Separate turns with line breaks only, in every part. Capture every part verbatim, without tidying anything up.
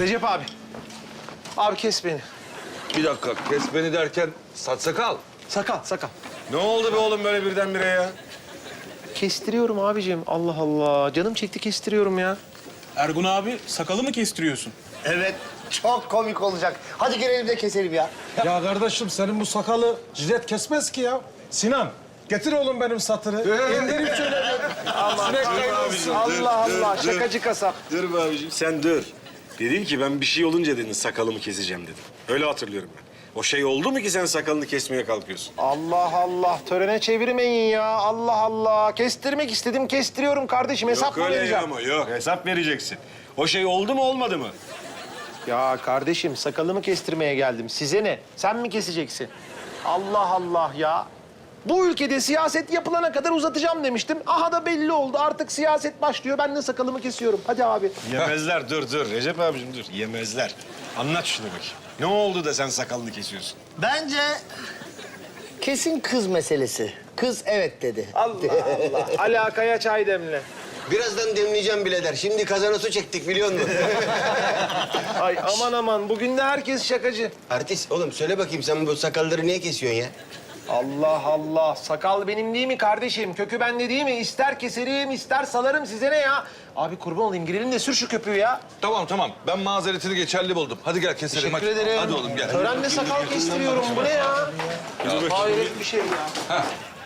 Recep abi. Abi kes beni.
Bir dakika, kes beni derken saç sakal.
Sakal, sakal.
Ne oldu be oğlum böyle birdenbire ya?
Kestiriyorum abicim. Allah Allah. Canım çekti kestiriyorum ya.
Ergun abi sakalı mı kestiriyorsun?
Evet, çok komik olacak. Hadi gelelim de keselim ya.
Ya kardeşim senin bu sakalı jilet kesmez ki ya. Sinan getir oğlum benim satırı. İndirip şöyle bir sinek kaybolsun.
Allah Allah. Şakacı kasap.
Dur be abiciğim sen dur. Dedin ki ben bir şey olunca dedin sakalımı keseceğim dedin. Öyle hatırlıyorum ben. O şey oldu mu ki sen sakalını kesmeye kalkıyorsun?
Allah Allah. Törene çevirmeyin ya. Allah Allah. Kestirmek istedim. Kestiriyorum kardeşim. Hesap mı
yok öyle ya
vereceğim?
ama yok. Hesap vereceksin. O şey oldu mu olmadı mı?
Ya kardeşim sakalımı kestirmeye geldim. Size ne? Sen mi keseceksin? Allah Allah ya. Bu ülkede siyaset yapılana kadar uzatacağım demiştim. Aha da belli oldu. Artık siyaset başlıyor. Ben de sakalımı kesiyorum. Hadi abi.
Yemezler dur dur. Recep abicim dur. Yemezler. Anlat şunu bakayım. Ne oldu da sen sakalını kesiyorsun?
Bence kesin kız meselesi. Kız evet dedi.
Allah Allah. Alakaya çay demle.
Birazdan demleyeceğim birader. Şimdi kazana su çektik biliyor musun?
Ay aman aman. Bugün de herkes şakacı.
Artist oğlum söyle bakayım sen bu sakalları niye kesiyorsun ya?
Allah Allah. Sakal benim değil mi kardeşim? Kökü bende değil mi? İster keserim, ister salarım. Size ne ya? Abi kurban olayım. Girelim de sür şu köpüğü ya.
Tamam tamam, ben mazeretini geçerli buldum. Hadi gel keselim.
Teşekkür
hadi.
ederim.
Hadi oğlum gel.
Törenle sakal kestiriyorum. Bu ne ya? Hayret bir şey ya.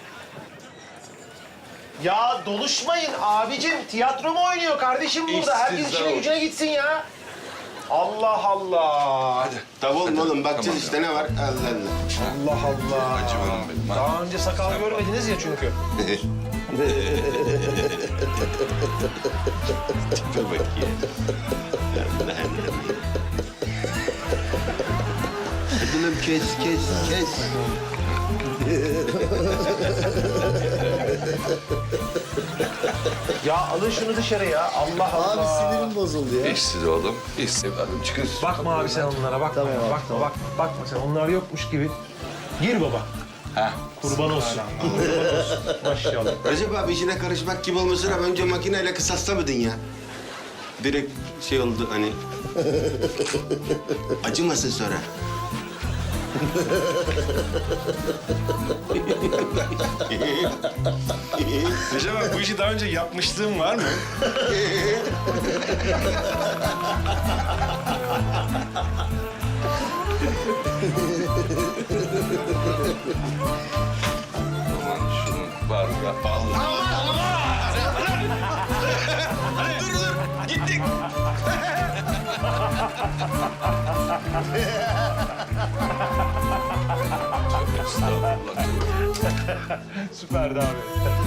Ya doluşmayın abicim. Tiyatro mu oynuyor kardeşim burada? Herkes
İşsizler
işine
olsun.
gücüne gitsin ya. Allah Allah.
Hadi.
Tamam oğlum bakacağız
Tamam
işte ne var? Allah Allah.
Allah Allah.
Acıvarım benim. Hadi.
Daha önce sakal görmediniz ya çünkü.
Dur bakayım. Hadi lan kes kes kes.
Ya alın şunu dışarı ya. Allah Allah.
Abi sinirim bozuldu ya.
İşsiz oğlum, işsiz evladım. Çıkın.
Bakma abi sen onlara. Bakma.
Tamam abi,
bakma,
tamam.
bak, bakma sen. Onlar yokmuş gibi. Gir baba.
Ha.
Kurban olsun. Kurban olsun. Maşallah.
Recep abi işine karışmak gibi olmasına önce makineyle kısaslamadın ya. Direkt şey oldu hani. Acımasın sonra.
Recep abi bu işi daha önce yapmışlığın var mı?
Aman şunun var ya. Vallahi.
Dur dur gittik.
Süperdi abi.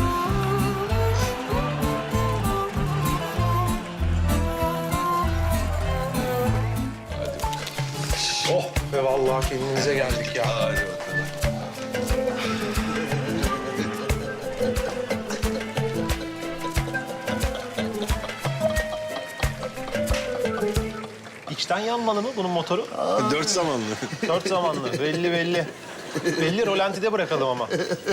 Oh be vallahi kendimize geldik ya.
Hadi bakalım.
İçten yanmalı mı bunun motoru?
Dört zamanlı.
Dört zamanlı. Belli belli. Belli rolantide bırakalım ama.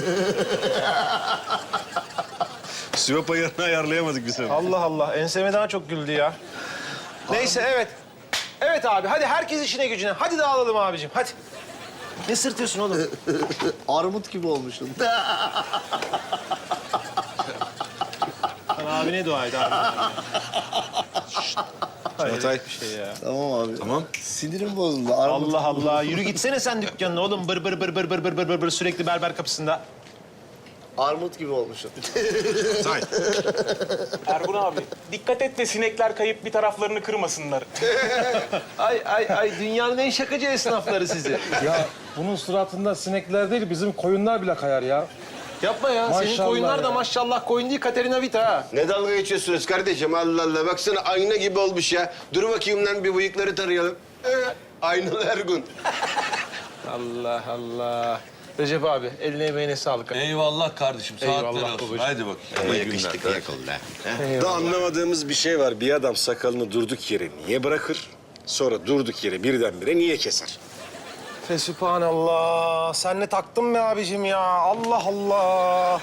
Sivop ayarını ayarlayamadık biz.
Allah Allah. Enseme daha çok güldü ya. Neyse evet. Evet abi hadi herkes işine gücüne. Hadi dağılalım abicim hadi. Ne sırtıyorsun oğlum?
Armut gibi olmuşsun.
Sen abine dua et abi.
Çağatay.
Bir şey ya.
Tamam abi.
Tamam.
Sinirim bozuldu. Armut.
Allah Allah. Yürü gitsene sen dükkanına oğlum. Bır bır bır bır bır bır bır bır bır sürekli berber kapısında.
Armut gibi olmuşsun.
Say.
Ergun abi dikkat et de sinekler kayıp bir taraflarını kırmasınlar.
Ay ay ay dünyanın en şakacı esnafları sizi.
Ya bunun suratında sinekler değil bizim koyunlar bile kayar ya.
Yapma ya. Senin
Maşallah
koyunlar da
ya.
maşallah koyun değil Katerina Vita ha.
Ne dalga geçiyorsunuz kardeşim Allah Allah. Baksana ayna gibi olmuş ya. Dur bakayım lan bir bıyıkları tarayalım. Ee, aynalı Ergun.
Allah Allah. Recep abi eline emeğine sağlık.
Eyvallah kardeşim,
Eyvallah
saatler olsun.
babacığım.
Hadi bakayım.
Ama
İyi
yakıştık
günler.
yak oldu ha.
Da anlamadığımız bir şey var. Bir adam sakalını durduk yere niye bırakır? Sonra durduk yere birdenbire niye keser?
Fesübhanallah. Sen ne taktın be abicim ya? Allah Allah.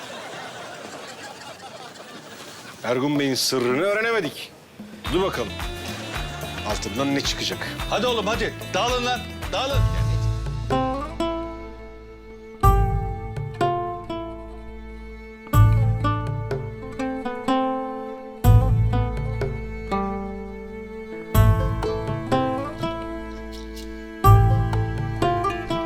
Ergun Bey'in sırrını öğrenemedik. Dur bakalım. altından ne çıkacak?
Hadi oğlum hadi. Dağılın lan. Dağılın.